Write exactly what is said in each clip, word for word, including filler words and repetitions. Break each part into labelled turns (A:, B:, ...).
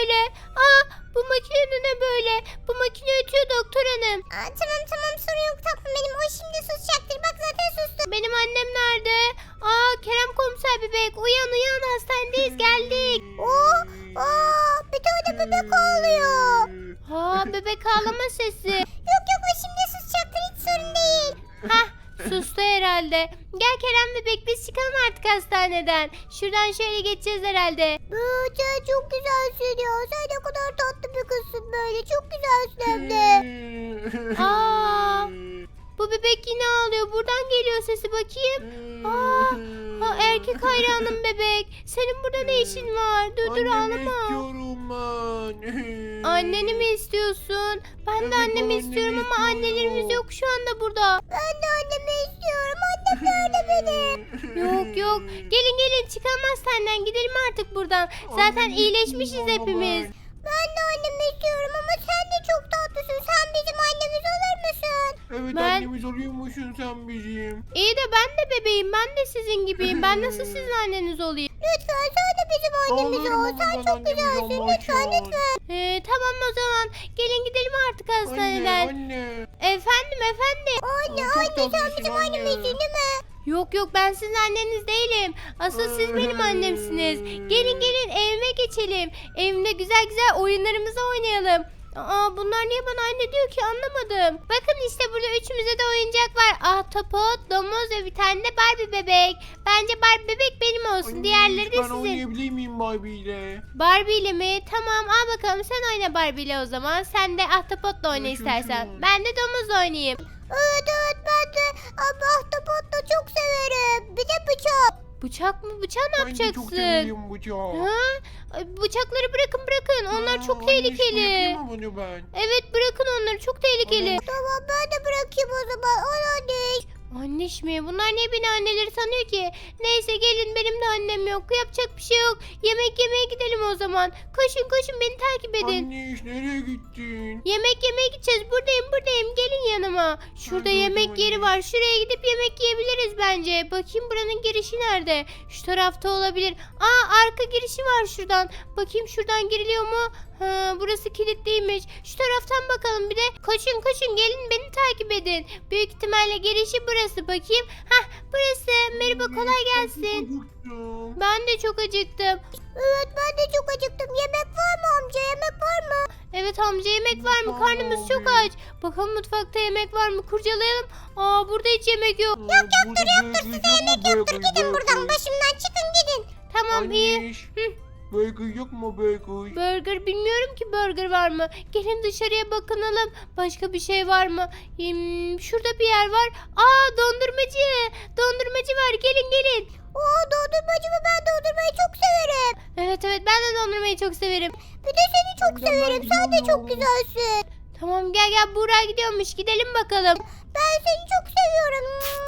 A: böyle? Aa, bu makine de ne böyle? Bu makine ötüyor doktor hanım.
B: Aa, tamam tamam sorun yok tatlım benim. O şimdi susacaktır. Bak zaten sustu.
A: Benim annem nerede? Aa, Kerem komiser bebek uyan uyan, hastanedeyiz, geldik.
B: Oo, aa, bir tane bebek ağlıyor.
A: Ha, bebek ağlama sesi.
B: Yok yok o şimdi susacaktır. Hiç sorun değil.
A: Hah, sustu herhalde. Gel Kerem bebek, biz çıkalım artık hastaneden. Şuradan şöyle geçeceğiz herhalde.
B: Aa, sen çok güzelsin ya. Sen ne kadar tatlı bir kızsın böyle. Çok güzelsin hem de.
A: Aa, bu bebek yine ağlıyor. Buradan geliyor sesi, bakayım. Aa, ha, erkek hayranım bebek. Senin burada ne işin var? Dur dur,
C: Annemi
A: ağlama.
C: istiyorum ben.
A: Anneni mi istiyorsun? Ben de
C: Evet,
A: annemi
C: annemi
A: istiyorum ama
C: istiyorum.
A: annelerimiz yok şu anda burada.
B: Ben de annemi istiyorum. Annem nerede benim?
A: Yok yok. Gelin gelin, çıkalım hastaneden, gidelim artık buradan. Zaten
C: Annemi
A: iyileşmişiz
C: istiyorum
A: hepimiz.
C: ben.
B: Ben de annemi istiyorum ama sen de çok tatlısın. Sen bizim annemiz olur musun?
C: Evet
A: Ben-
C: annemiz oluyormuşsun sen bizim.
A: İyi de ben de bebeğim. Ben de sizin gibiyim. Ben nasıl sizin anneniz olayım?
B: Lütfen sen de bizim annemiz
C: Ağlarım
B: ol.
C: ama
B: Sen
C: ben
B: çok
C: annemiz
B: güzelsin.
C: olmak
B: Lütfen
C: için.
B: lütfen.
A: Ee, tamam o zaman. Gelin gidelim artık
C: Anne
A: hastaneden.
C: anne.
A: Efendim efendim.
B: Anne
C: Aa, çok
B: anne sen
C: tatlısın
B: bizim
C: anne.
B: annemizsin değil mi?
A: Yok yok, ben sizin anneniz değilim. Asıl siz benim annemsiniz. Gelin gelin, evime geçelim. Evimde güzel güzel oyunlarımızı oynayalım. Aa, bunlar niye bana anne diyor ki, anlamadım. Bakın işte burada üçümüze de oyuncak var. Ahtapot, domuz ve bir tane de Barbie bebek. Bence Barbie bebek benim olsun.
C: Anne,
A: Diğerleri de
C: Ben
A: sizin.
C: oynayabilir miyim Barbie ile?
A: Barbie ile mi? Tamam, al bakalım, sen oyna Barbie ile o zaman. Sen de ahtapotla oyna
C: Yaşasın.
A: istersen. Ben de domuzla oynayayım.
B: Evet evet ben de ama ahtapot da çok severim. Bir de bıçak.
A: Bıçak mı? Bıçağı ne
C: Ben de çok
A: yapacaksın?
C: seviyorum bıçağı.
A: Ha? Ay, bıçakları bırakın bırakın. Onlar
C: Aa,
A: çok
C: anne,
A: tehlikeli.
C: yapayım mı bunu ben?
A: Evet, bırakın onları, çok tehlikeli.
C: Anne,
B: Tamam ben de bırakayım o zaman. Al anne.
A: Anneş mi? Bunlar niye beni anneleri sanıyor ki? Neyse gelin, benim de annem yok. Yapacak bir şey yok. Yemek yemeye gidelim o zaman. Koşun koşun, beni takip edin.
C: Anne nereye gittin?
A: Yemek yemeye gideceğiz. Buradayım buradayım. Gelin yanıma. Şurada
C: Hadi,
A: yemek
C: hadi,
A: yeri
C: hadi.
A: var. Şuraya gidip yemek yiyebiliriz bence. Bakayım buranın girişi nerede? Şu tarafta olabilir. Aa, arka girişi var şuradan. Bakayım şuradan giriliyor mu? Ha, burası kilitliymiş. Şu taraftan bakalım bir de. Koşun koşun, gelin beni takip edin. Büyük ihtimalle girişi burası. Bakayım. Hah, burası. Merhaba, kolay gelsin.
C: Acıktım.
A: Ben de çok acıktım.
B: Evet ben de çok acıktım. Yemek var mı amca? Yemek var mı?
A: Evet amca, yemek var mı? Karnımız çok aç. Bakalım mutfakta yemek var mı? Kurcalayalım. Aa, burada hiç yemek yok.
C: Yok yoktur yoktur size yemek
B: Yoktur gidin buradan. Başımdan çıkın gidin.
A: Tamam, iyi.
C: Anne. Burger yok mu burger?
A: Burger, bilmiyorum ki burger var mı? Gelin dışarıya bakınalım. Başka bir şey var mı? Hmm, şurada bir yer var. Aa, dondurmacı. Dondurmacı var. Gelin gelin.
B: Oo dondurmacı mı? Ben dondurmayı çok severim.
A: Evet evet, ben de dondurmayı çok severim.
B: Bir de seni çok
C: Ben de
B: severim. Sen de çok
C: gidiyorum.
B: güzelsin.
A: Tamam, gel gel, Buğra gidiyormuş. Gidelim bakalım.
B: Ben seni çok seviyorum.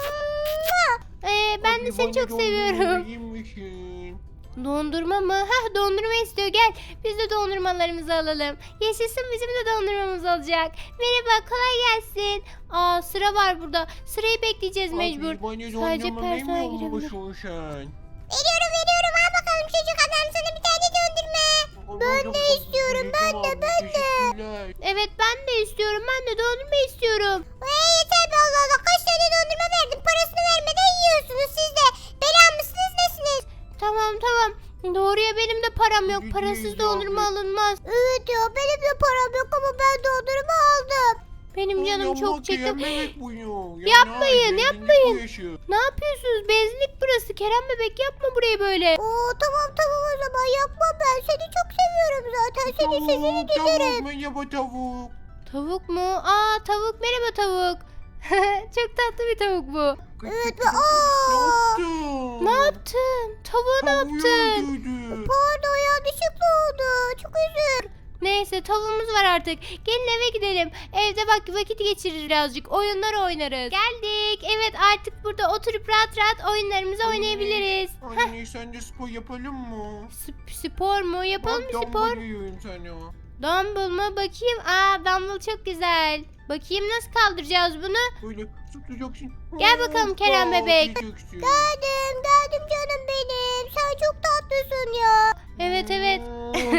A: Ee, ben de
C: Anne,
A: seni
C: bana
A: çok
C: dondurma
A: seviyorum.
C: verir misin?
A: Dondurma mı? Hah, dondurma istiyor. Gel biz de dondurmalarımızı alalım. Yaşasın, bizim de dondurmamız olacak. Merhaba, kolay gelsin. Aa, sıra var burada. Sırayı bekleyeceğiz mecbur.
C: Abi, bana
A: Sadece
C: dondurma
A: personel
C: vermiyor
A: girebilir.
C: musun sen?
B: Veriyorum veriyorum. Al bakalım çocuk adam sana bir tane dondurma. Ben de istiyorum, ben de, ben de.
C: Teşekkürler.
A: Evet, ben de istiyorum. Ben de dondurma istiyorum.
B: Ee, yeter be Allah Allah. Kaç tane dondurma verdim. Parasını vermeden yiyorsunuz siz de. Bela mısınız nesiniz?
A: Tamam tamam. Doğru ya, benim de param yok.
C: Yüzde
A: Parasız
C: yüz
A: dondurma
C: abi.
A: alınmaz.
B: Evet ya benim de param yok ama ben dondurma aldım.
A: Benim canım
C: Ama
A: çok çekti.
C: yememek bu ya. Ya
A: Yapmayın,
C: ne yapayım,
A: yapmayın.
C: bu yaşı.
A: Ne yapıyorsunuz? Benzinlik burası. Kerem bebek, yapma burayı böyle.
B: Oo tamam tamam o zaman yapmam ben. Seni çok seviyorum zaten. Senin sesini
C: Tavuk,
B: dinlerim.
C: tavuk, merhaba tavuk.
A: Tavuk mu? Aa, tavuk, merhaba tavuk. Çok tatlı bir tavuk bu.
B: Evet ve
C: Ne
B: aa.
C: yaptın?
A: Ne yaptın? Tavuğa ne
C: Tavuğu
A: yaptın?
C: öldürdü.
B: Pardon yanlışlıkla oldu. Çok özür.
A: Neyse, tavuğumuz var artık. Gelin eve gidelim. Evde bak, vakit geçiririz birazcık. Oyunlar oynarız. Geldik. Evet, artık burada oturup rahat rahat oyunlarımızı oynayabiliriz. Heh,
C: Anne sen de spor yapalım mı?
A: sp- spor mu? Yapalım mı
C: Bak,
A: spor?
C: dumbbell yiyorum sana.
A: Dumbbell mu? Bakayım. Aa, dumbbell çok güzel. Bakayım nasıl kaldıracağız bunu?
C: Böyle tutacaksın.
A: Gel bakalım Kerem
C: Hoppa
A: bebek.
C: diyeceksin.
B: Geldim geldim canım benim. Sen çok tatlısın ya.
A: Evet evet.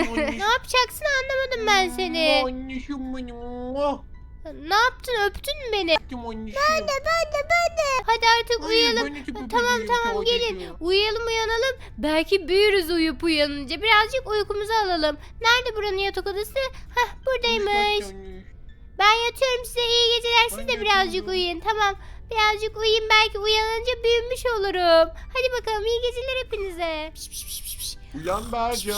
C: Anneciğim.
A: Ne yapacaksın anlamadım ben seni.
C: Anneciğim benim. Oh.
A: Ne yaptın öptün mü beni?
C: Öptüm anneciğim. Ben de
B: Ben de ben de.
A: Hadi artık uyuyalım. Tamam tamam gelin. Uyuyalım uyanalım. Belki büyürüz uyup uyanınca. Birazcık uykumuzu alalım. Nerede buranın yatak odası? Hah buradaymış. Ben yatıyorum size iyi geceler. Siz
C: Ben
A: de birazcık
C: yatıyorum.
A: uyuyun. Tamam. Birazcık uyuyun belki uyanınca büyümüş olurum. Hadi bakalım iyi geceler hepinize. Piş, piş, piş, piş, piş.
C: Uyan Berca.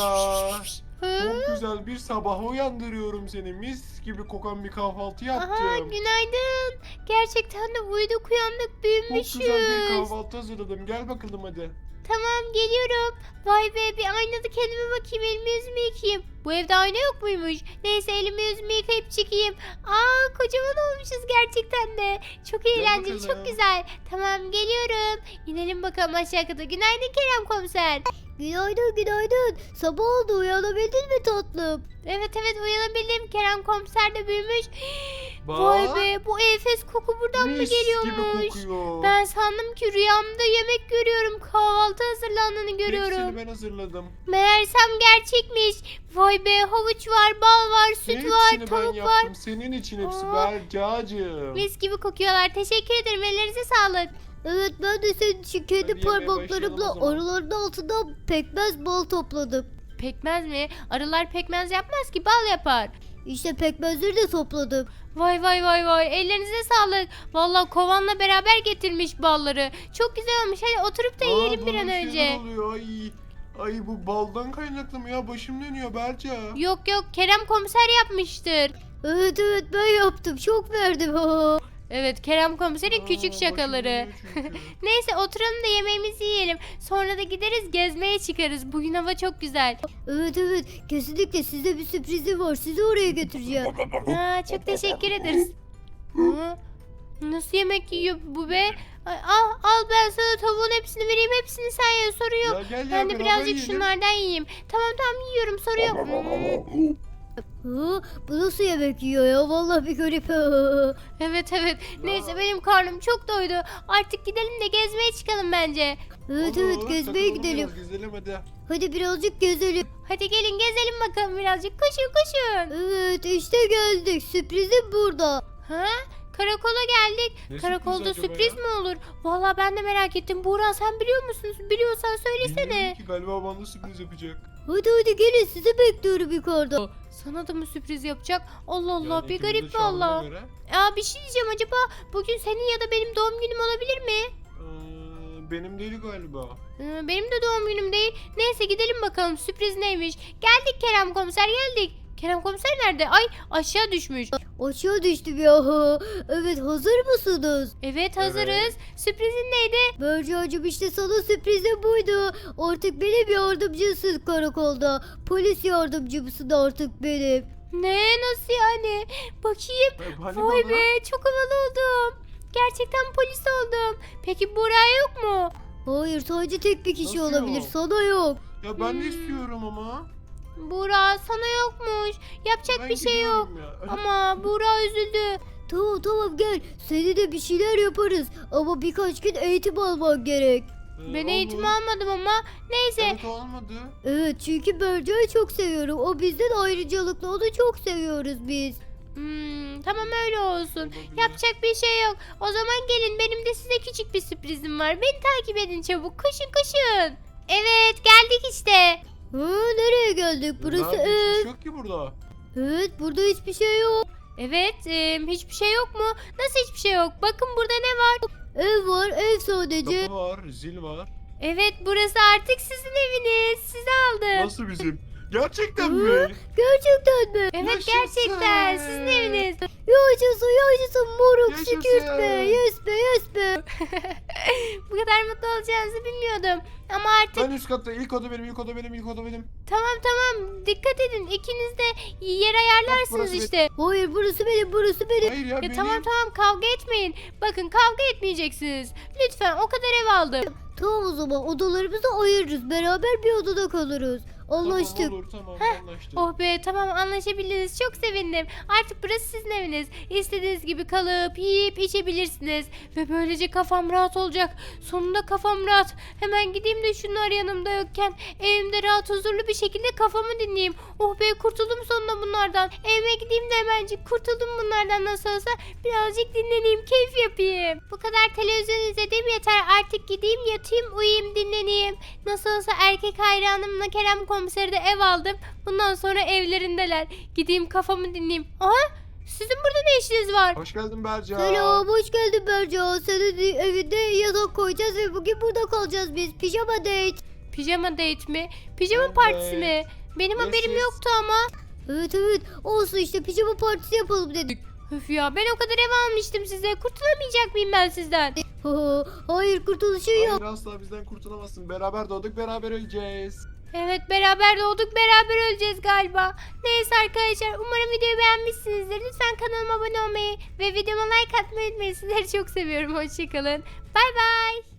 A: Hı?
C: Çok güzel bir sabah uyandırıyorum seni. Mis gibi kokan bir kahvaltı
A: Aha
C: yaptım.
A: günaydın. Gerçekten de uyuduk uyandık
C: Çok
A: büyümüşüz.
C: güzel bir kahvaltı hazırladım. Gel bakalım hadi.
A: Tamam geliyorum. Vay be bir aynada kendime bakayım elimi yüzümü yıkayayım. Bu evde ayna yok muymuş? Neyse elimi yüzümü yıkayıp çıkayım. Aa kocaman olmuşuz gerçekten de. Çok eğlenceli
C: bakalım.
A: çok güzel. Tamam geliyorum. İnelim bakalım aşağı kata. Günaydın Kerem komiser.
B: Günaydın günaydın. Sabah oldu uyanabildin mi tatlım?
A: Evet evet uyanabildim. Kerem komiser de büyümüş.
C: Bak.
A: Vay be bu enfes koku buradan mı
C: Mis
A: geliyormuş?
C: gibi kokuyor.
A: Ben sandım ki rüyamda yemek görüyorum. Kahvaltı hazırlandığını görüyorum.
C: Hepsini ben hazırladım.
A: Meğersem gerçekmiş. Vay be havuç var, bal var, süt
C: Hepsini
A: var,
C: ben
A: tavuk
C: yaptım.
A: var.
C: Senin için hepsi
A: Aa.
C: Bercacığım.
A: Mis gibi kokuyorlar. Teşekkür ederim. Ellerinize sağlık.
B: Evet ben de senin için kendi
C: Hadi yemeğe
B: parmaklarımla
C: başlayalım o zaman.
B: arıların altından pekmez bal topladım.
A: Pekmez mi? Arılar pekmez yapmaz ki bal yapar.
B: İşte pekmezleri de topladım.
A: Vay vay vay vay. Ellerinize sağlık. Vallahi kovanla beraber getirmiş balları. Çok güzel olmuş. Hadi oturup da
C: Aa,
A: yiyelim bir
C: bana
A: an
C: şeyler
A: önce.
C: oluyor. Ay, ay bu baldan kaynaklı mı ya? Başım dönüyor Berca.
A: Yok yok Kerem komiser yapmıştır.
B: Evet evet ben yaptım çok verdim.
A: Evet Kerem komiserin
C: Aa,
A: küçük
C: başım
A: şakaları.
C: dönüyor çünkü.
A: Neyse oturalım da yemeğimizi yiyelim. Sonra da gideriz gezmeye çıkarız. Bugün hava çok güzel.
B: Evet evet kesinlikle size bir sürprizim var sizi oraya götüreceğim.
A: Ha, çok teşekkür ederiz. Hı? Nasıl yemek yiyor bu be? Ay, al, al ben sana tavuğun hepsini vereyim. Hepsini sen ye sorun yok.
C: Ya gel ya
A: Ben de
C: beraber
A: birazcık
C: yiyelim.
A: şunlardan yiyeyim. Tamam tamam yiyorum sorun yok. Hmm.
B: Ha, bu nasıl yemek yiyor ya vallahi bir garip.
A: Evet evet. Neyse benim karnım çok doydu. Artık gidelim de gezmeye çıkalım bence.
B: Evet
C: Olur,
B: evet gezmeye
C: takılalım
B: gidelim.
C: biraz, Gezelim hadi.
B: Hadi birazcık gezelim.
A: Hadi gelin gezelim bakalım birazcık. Koşun koşun.
B: Evet işte geldik sürprizim burada.
A: Ha? Karakola geldik.
C: Ne
A: Karakolda
C: sürpriz acaba
A: sürpriz
C: ya?
A: mi olur? Vallahi ben de merak ettim. Buğra sen biliyor musun? Biliyorsan söylesene.
C: Bilmiyorum ki galiba bana sürpriz yapacak.
B: Hadi hadi gelin sizi bekliyorum yukarıda.
A: Sana da mı sürpriz yapacak? Allah Allah
C: Yani
A: bir
C: ikimiz de
A: garip
C: çağırdığına
A: valla.
C: göre,
A: Aa bir şey diyeceğim acaba bugün senin ya da benim doğum günüm olabilir mi?
C: eee, benim değil galiba.
A: Ee, benim de doğum günüm değil. Neyse gidelim bakalım sürpriz neymiş. Geldik Kerem komiser geldik. Kerem komiser nerede? Ay aşağı düşmüş.
B: Aşağı düştüm ya. Evet hazır mısınız?
A: Evet hazırız. Sürprizin neydi?
B: Bercacığım işte sana sürprizim buydu. Artık benim yardımcısın karakolda. Polis yardımcımsın artık benim.
A: Ne nasıl yani? Bakayım.
C: Ay, hani
A: Vay
C: bana?
A: be çok havalı oldum. Gerçekten polis oldum. Peki Buğra yok mu?
B: Hayır sadece tek bir kişi
C: Nasıl
B: olabilir
C: yok?
B: sana yok.
C: Ya ben de
A: Hmm.
C: istiyorum ama.
A: Buğra sana yokmuş. Yapacak
C: Ben
A: bir şey yok.
C: gidiyorum ya.
A: Ama Buğra üzüldü.
B: Tamam tamam gel. Seni de bir şeyler yaparız. Ama birkaç gün eğitim alman gerek.
C: Ee,
A: Ben
C: olur.
A: eğitim almadım ama. Neyse.
C: Evet olmadı.
B: Evet çünkü Berca'yı çok seviyorum. O bizden ayrıcalıklı. Onu çok seviyoruz biz.
A: Hmm, tamam öyle olsun.
C: Olabilir.
A: Yapacak bir şey yok. O zaman gelin benim de size küçük bir sürprizim var. Beni takip edin çabuk. Koşun koşun. Evet geldik işte.
B: Ha, nereye geldik? Burası
C: Nerede? Hiçbir
B: ev.
C: şey yok ki burada.
B: Evet burada hiçbir şey yok.
A: Evet e, hiçbir şey yok mu? Nasıl hiçbir şey yok? Bakın burada ne var?
B: Ev var ev sadece.
C: Kapı var, zil var.
A: Evet burası artık sizin eviniz. Sizi aldım.
C: Nasıl bizim? Gerçekten
B: Hı?
C: mi?
B: Gerçekten mi?
A: Evet
C: Yaşasın.
A: gerçekten sizin eviniz.
B: Yaşasın yaşasın moruk
C: Yaşasın.
B: şükürt be. Yes be yes be.
A: Bu kadar mutlu olacağınızı bilmiyordum. Ama artık
C: Ben üst katta ilk oda benim, ilk oda benim, ilk oda benim.
A: tamam tamam dikkat edin. İkiniz de yer ayarlarsınız
C: burası
A: işte.
B: Hayır burası benim burası benim.
C: Hayır ya
A: Ya
C: benim.
A: tamam tamam kavga etmeyin. Bakın kavga etmeyeceksiniz. Lütfen o kadar ev aldım.
B: Tamam o zaman odalarımızı ayırırız. Beraber bir odada kalırız. Anlaştık.
C: Tamam olur tamam anlaştık.
A: Oh be, tamam anlaşabildiniz. Çok sevindim. Artık burası sizin eviniz. İstediğiniz gibi kalıp yiyip içebilirsiniz. Ve böylece kafam rahat olacak. Sonunda kafam rahat. Hemen gideyim de şunlar yanımda yokken evimde rahat huzurlu bir şekilde kafamı dinleyeyim. Oh be, kurtuldum sonunda bunlardan. Evime gideyim de hemencik kurtuldum bunlardan nasıl olsa. Birazcık dinleneyim, keyif yapayım. Bu kadar televizyon izlediğim yeter. Artık gideyim yatayım, uyuyayım, dinleneyim. Nasıl olsa erkek hayranımla Kerem komiseri de ev aldım. Bundan sonra evlerindeler. Gideyim kafamı dinleyeyim. Aha, sizin burada ne işiniz var?
C: Hoş geldin Berca.
B: Selam, hoş geldin Berca. Senin evinde yatak koyacağız ve bugün burada kalacağız biz. Pijama date.
A: Pijama date mi? Pijama
C: Evet.
A: partisi mi? Benim
C: Yes,
A: haberim
C: yes.
A: yoktu ama.
B: Evet evet, olsun işte pijama partisi yapalım dedik.
A: Öf ya, ben o kadar ev almıştım size. Kurtulamayacak mıyım ben sizden?
B: Hayır, kurtuluşu yok.
C: Hayır asla bizden kurtulamazsın. Beraber doğduk beraber öleceğiz.
A: Evet, beraber doğduk, beraber öleceğiz galiba. Neyse arkadaşlar, umarım videoyu beğenmişsinizdir. Lütfen kanalıma abone olmayı ve videoma like atmayı unutmayın. Sizleri çok seviyorum. Hoşçakalın. Bay bay.